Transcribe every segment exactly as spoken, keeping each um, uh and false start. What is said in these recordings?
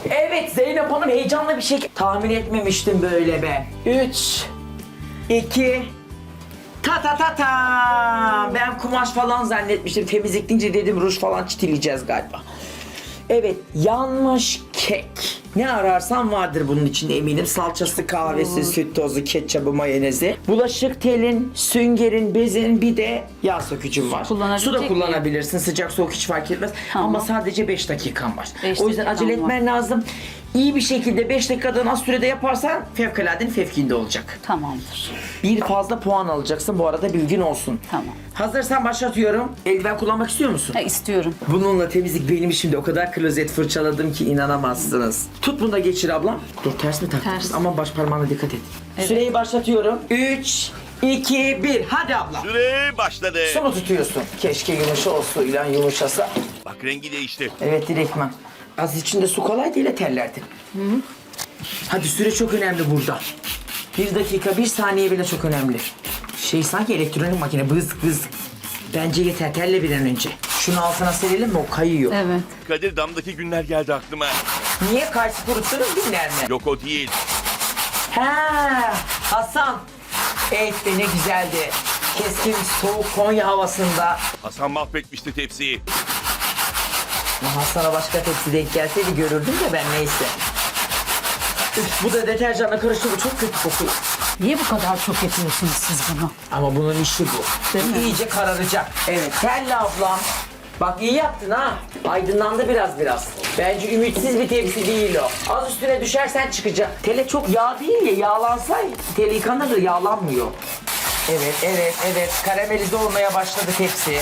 Evet Zeynep Hanım heyecanlı bir şey tahmin etmemiştim böyle be. Üç, iki, ta ta ta ta. Ben kumaş falan zannetmiştim. Temizlik deyince dedim ruj falan çitileyeceğiz galiba. Evet, yanmış kek. Ne ararsan vardır bunun içinde eminim. Salçası, kahvesi, hmm. süt tozu, ketçabı, mayonezi. Bulaşık telin, süngerin, bezin bir de yağ sökücüm var. Su da kullanabilirsin. Mi? Sıcak soğuk hiç fark etmez. Tamam. Ama sadece beş dakikan var. beş o yüzden acele etmen var. lazım. İyi bir şekilde beş dakikadan az sürede yaparsan fevkaladenin fevkinde olacak. Tamamdır. Bir fazla puan alacaksın bu arada bilgin olsun. Tamam. Hazırsan başlatıyorum. Eldiven kullanmak istiyor musun? Ha, istiyorum. Bununla temizlik benim işimde o kadar klozet fırçaladım ki inanamazsınız. Tut bunu da geçir ablam. Dur ters mi taktın? Ters. Aman baş parmağına dikkat et. Evet. Süreyi başlatıyorum. üç, iki, bir. Hadi abla. Süre başladı. Su mu tutuyorsun? Keşke yumuşa o suyla yumuşasa. Bak rengi değişti. Evet direktman. Az içinde su kolay değil terlerdi. Hı hı. Hadi süre çok önemli burada. Bir dakika, bir saniye bile çok önemli. Şey sanki elektronik makine bız bız. Bence yeter terle bir an önce. Şunu altına serelim mi? O kayıyor. Evet. Kadir damdaki günler geldi aklıma. Niye karşı kuruttunuz günler mi? Yok o değil. Ha, Hasan. Evet be ne güzeldi. Keskin soğuk Konya havasında. Hasan mahvetmişti tepsiyi. Ya Hasan'a başka tepsi denk gelseydi görürdüm de ben neyse. Üf, bu da deterjanla karıştı bu çok kötü kokuyor. Niye bu kadar çok yapıyorsunuz siz bunu? Ama bunun işi bu. Değil mi? İyice kararacak. Evet. Telli ablam. Bak iyi yaptın ha. Aydınlandı biraz biraz. Bence ümitsiz bir tepsi değil o. Az üstüne düşersen çıkacak. Tele çok yağ değil ya. Yağlansa tele yıkanır yağlanmıyor. Evet, evet, evet. Karamelize olmaya başladı tepsi.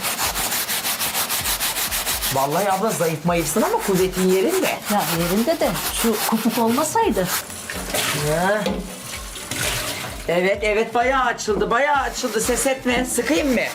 Vallahi abla zayıf mayıfsın ama kuvvetin yerinde. Ya yerinde de şu kopuk olmasaydı. Ha. Evet, evet bayağı açıldı, bayağı açıldı. Ses etme. Sıkayım mı?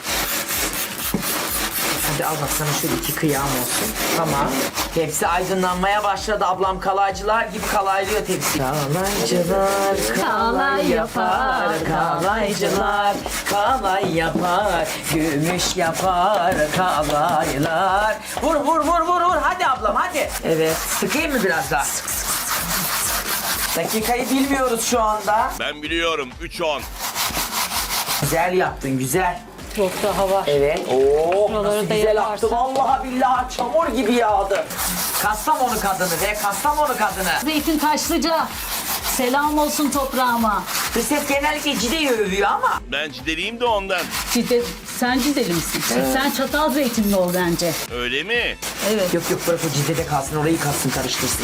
Hadi al bak sana şöyle iki kıyam olsun. Tamam. Tepsi aydınlanmaya başladı. Ablam kalaycılar gibi kalaylıyor tepsi. Kalaycılar kalay yapar. Kalaycılar kalay yapar. Gümüş yapar kalaylar. Vur vur vur vur vur. Hadi ablam hadi. Evet. Sıkayım mı biraz daha? Dakikayı bilmiyoruz şu anda. Ben biliyorum. üç on. Güzel yaptın güzel. Çok daha var. Evet. Oo, Şuraları nasıl da güzel yaparsan. aktı. Vallahi billahi çamur gibi yağdı. Kastamonu kadını be, Kastamonu kadını. Zeytin Taşlıca. Selam olsun toprağıma. Bu ses genellikle Cide'yi övüyor ama. Ben cideliyim de ondan. Cide, sen Cideli misin? Sen çatal zeytinli ol bence. Öyle mi? Evet. Yok yok bırak o Cide'de kalsın, orayı kalsın karıştırsın.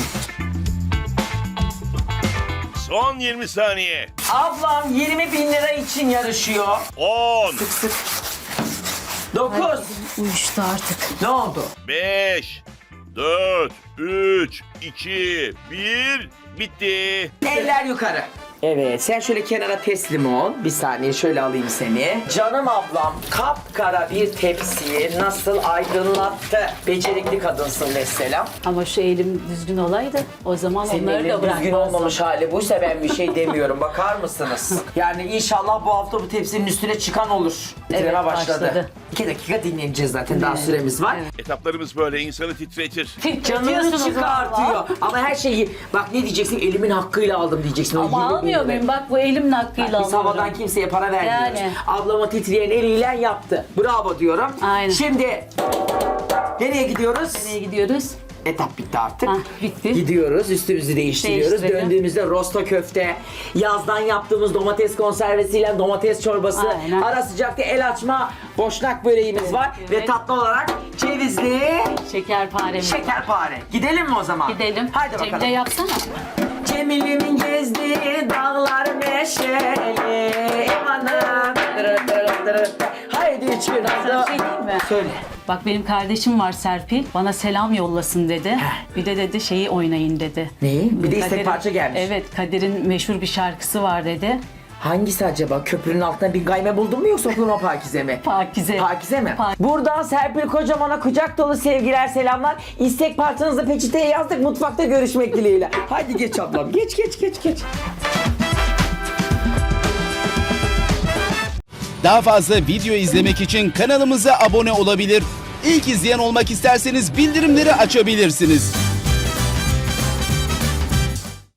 Son yirmi saniye. Ablam yirmi bin lira için yarışıyor. on. Sık sık. dokuz. Uyuştu artık. Ne oldu? beş. dört. üç. iki. bir. Bitti. Eller yukarı. Evet sen şöyle kenara teslim ol. Bir saniye şöyle alayım seni. Canım ablam kapkara bir tepsiyi nasıl aydınlattı. Becerikli kadınsın mesela. Ama şu elim düzgün olaydı o zaman Senin onları da elin düzgün bırakmazdım. olmamış hali buysa ben bir şey demiyorum. Bakar mısınız? Yani inşallah bu hafta bu tepsinin üstüne çıkan olur. Bitireme Evet, başladı. başladı. İki dakika dinleneceğiz zaten. Daha süremiz var. Evet. Etaplarımız böyle insanı titretir. Canını Titretiyorsunuz çıkartıyor. valla. Ama her şeyi bak ne diyeceksin elimin hakkıyla aldım diyeceksin. O Ama yirmi bin almıyor lira. muyum? Bak bu elimin hakkıyla Biz alıyorum. havadan kimseye para vermiyoruz. Yani. Ablama titreyen eliyle yaptı. Bravo diyorum. Aynen. Şimdi nereye gidiyoruz? Nereye gidiyoruz? Etap bitti artık. Hah, bitti. Gidiyoruz, üstümüzü değiştiriyoruz. Değiştirelim. Döndüğümüzde rosto köfte, yazdan yaptığımız domates konservesiyle domates çorbası, Aynen. ara sıcakta el açma boşnak böreğimiz var evet. ve tatlı olarak cevizli Şekerparemiz. şekerpare. Gidelim mi o zaman? Gidelim. Haydi bakalım. Cemile yapsana. Cemil'imin gezdiği dağlar neşeli emanım. Dırı dırı dırı. Haydi üç gün Sana bir şey diyeyim mi? Söyle. Bak benim kardeşim var Serpil. Bana selam yollasın dedi. Heh. Bir de dedi şeyi oynayın dedi. Neyi? Bir de istek Kadir'in- parça gelmiş. Evet Kadir'in meşhur bir şarkısı var dedi. Hangisi acaba? Köprünün altına bir gayme buldun mu yoksa oklama Pakize mi? Pakize. Pakize mi? Pa- Buradan Serpil Kocaman'a kucak dolu sevgiler, selamlar. İstek parçanızı peçeteye yazdık. Mutfakta görüşmek dileğiyle. Haydi geç ablam. Geç geç geç geç. Daha fazla video izlemek için kanalımıza abone olabilir. İlk izleyen olmak isterseniz bildirimleri açabilirsiniz.